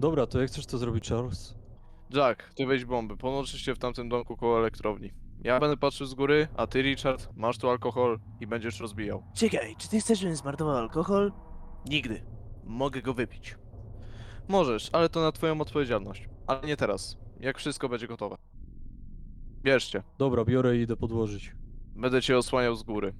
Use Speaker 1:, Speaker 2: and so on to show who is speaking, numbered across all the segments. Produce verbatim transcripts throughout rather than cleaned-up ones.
Speaker 1: Dobra, to jak chcesz to zrobić, Charles?
Speaker 2: Jack, ty weź bomby, ponoczysz się w tamtym domku koło elektrowni. Ja będę patrzył z góry, a ty, Richard, masz tu alkohol i będziesz rozbijał.
Speaker 3: Czekaj, czy ty chcesz, żebym zmarnował alkohol? Nigdy. Mogę go wypić.
Speaker 2: Możesz, ale to na twoją odpowiedzialność. Ale nie teraz, jak wszystko będzie gotowe. Bierzcie,
Speaker 1: Dobra, biorę i idę podłożyć.
Speaker 2: będę cię osłaniał z góry.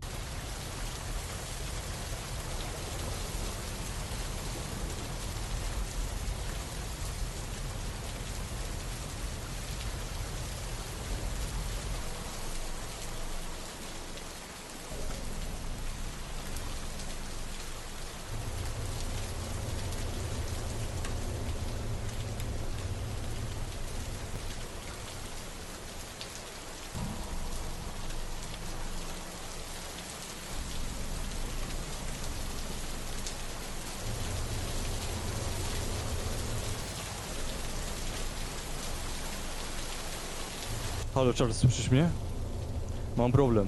Speaker 1: Halo, Charles, słyszysz mnie? Mam problem.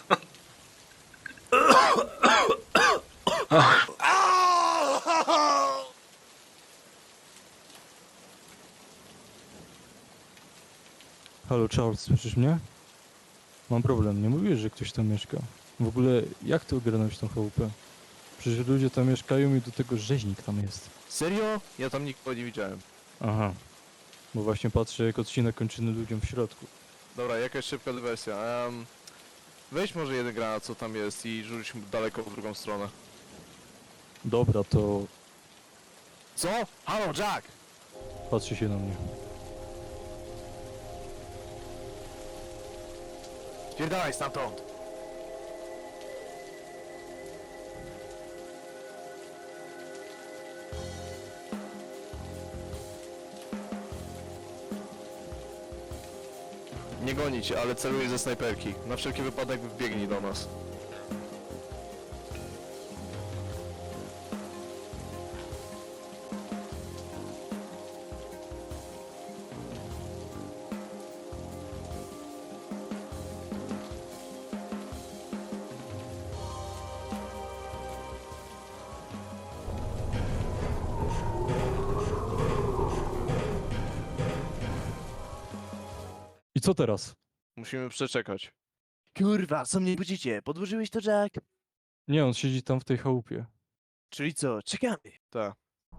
Speaker 1: Halo, Charles, słyszysz mnie? Mam problem, nie mówisz, że ktoś tam mieszka. W ogóle, jak ty ogarnąłeś tą chałupę? Przecież ludzie tam mieszkają i do tego rzeźnik tam jest.
Speaker 2: Serio? Ja tam nikogo nie widziałem.
Speaker 1: Aha. Bo właśnie patrzę, jak odcina kończyny ludziom w środku.
Speaker 2: Dobra, jakaś szybka dywersja. Um, weź może jeden granat, co tam jest i rzuć mu daleko w drugą stronę.
Speaker 1: Dobra, to
Speaker 2: Co? Halo, Jack!
Speaker 1: patrzy się na mnie.
Speaker 2: Spierdalaj stamtąd! Nie goni cię, ale celuję ze snajperki. Na wszelki wypadek wbiegnij do nas.
Speaker 1: I co teraz?
Speaker 2: Musimy przeczekać.
Speaker 3: Kurwa, co mnie budzicie? Podłożyłeś to, Jack?
Speaker 1: Nie, on siedzi tam w tej chałupie.
Speaker 3: Czyli co, czekamy.
Speaker 2: Tak.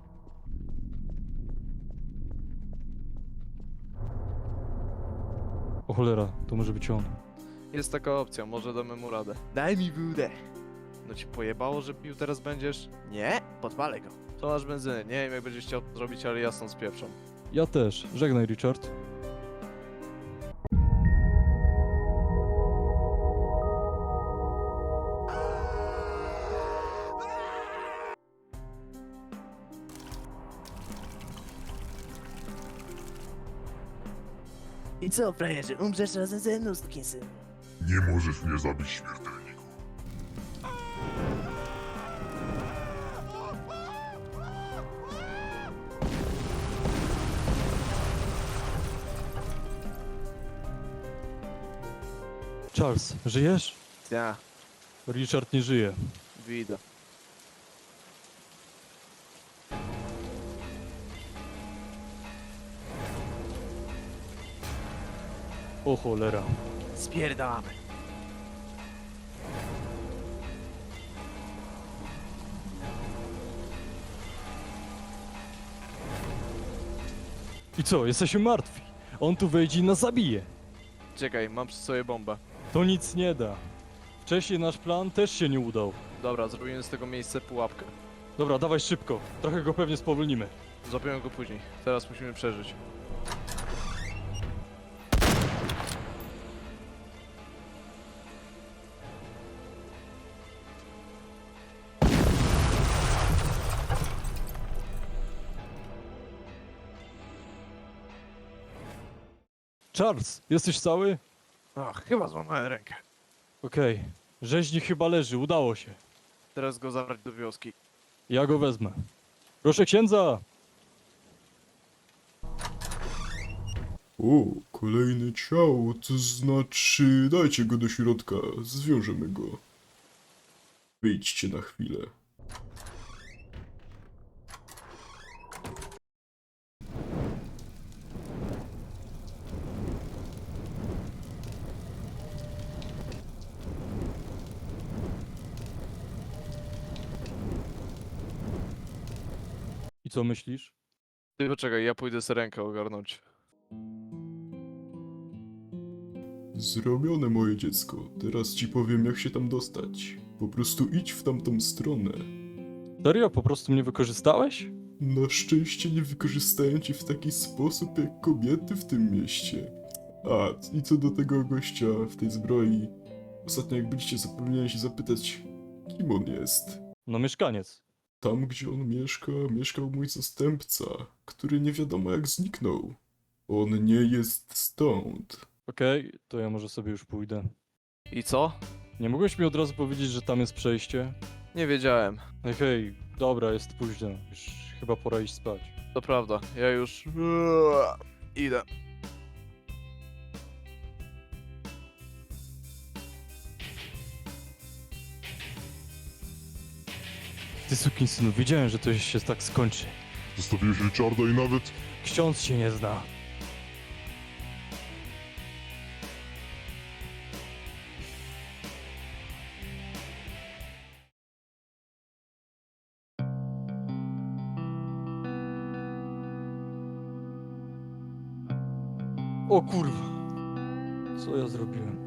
Speaker 1: O cholera, to może być on.
Speaker 2: Jest taka opcja, może damy mu radę.
Speaker 3: Daj mi wódę.
Speaker 2: No ci pojebało, że pił teraz będziesz?
Speaker 3: Nie, podpalę go.
Speaker 2: To masz benzyny. Nie wiem jak będziesz chciał to zrobić, ale jasno z pieprzą.
Speaker 1: Ja też. Żegnaj, Richard.
Speaker 3: I co, frajerze, umrzesz razem ze mną, synu?
Speaker 4: Nie możesz mnie zabić, śmiertelniku.
Speaker 1: Charles, żyjesz?
Speaker 2: Ja,
Speaker 1: Richard nie żyje.
Speaker 2: widzę.
Speaker 1: O cholera.
Speaker 3: Spierdalamy.
Speaker 1: I co, jesteśmy martwi. On tu wejdzie i nas zabije.
Speaker 2: Czekaj, mam przy sobie bombę.
Speaker 1: To nic nie da. Wcześniej nasz plan też się nie udał.
Speaker 2: Dobra, zrobimy z tego miejsca pułapkę.
Speaker 1: Dobra, dawaj szybko. Trochę go pewnie spowolnimy.
Speaker 2: Złapiemy go później. Teraz musimy przeżyć.
Speaker 1: Charles, jesteś cały?
Speaker 2: Ach, chyba złamałem rękę.
Speaker 1: Okej. Rzeźnik chyba leży, udało się.
Speaker 2: Teraz go zabrać do wioski.
Speaker 1: Ja go wezmę. Proszę księdza!
Speaker 5: O, kolejne ciało, to znaczy dajcie go do środka, zwiążemy go. Wyjdźcie na chwilę.
Speaker 1: co myślisz?
Speaker 2: Ty poczekaj, ja pójdę sobie rękę ogarnąć.
Speaker 5: Zrobione, moje dziecko. Teraz ci powiem, jak się tam dostać. Po prostu idź w tamtą stronę.
Speaker 1: Serio? Po prostu mnie wykorzystałeś?
Speaker 5: Na szczęście nie wykorzystają cię w taki sposób jak kobiety w tym mieście. A, i co do tego gościa w tej zbroi. Ostatnio jak byliście, zapomniałem się zapytać, kim on jest.
Speaker 1: No mieszkaniec.
Speaker 5: Tam, gdzie on mieszka, mieszkał mój zastępca, który nie wiadomo jak zniknął. On nie jest stąd.
Speaker 1: Okej, to ja może sobie już pójdę.
Speaker 2: I co?
Speaker 1: Nie mogłeś mi od razu powiedzieć, że tam jest przejście?
Speaker 2: Nie wiedziałem.
Speaker 1: Hej, hej, dobra, jest późno. Już chyba pora iść spać.
Speaker 2: To prawda, ja już... Idę.
Speaker 1: Ty sukinsynu, wiedziałem, że to się tak skończy.
Speaker 4: Zostawiłeś Richarda i nawet...
Speaker 1: Ksiądz się nie zna. O kurwa. Co ja zrobiłem?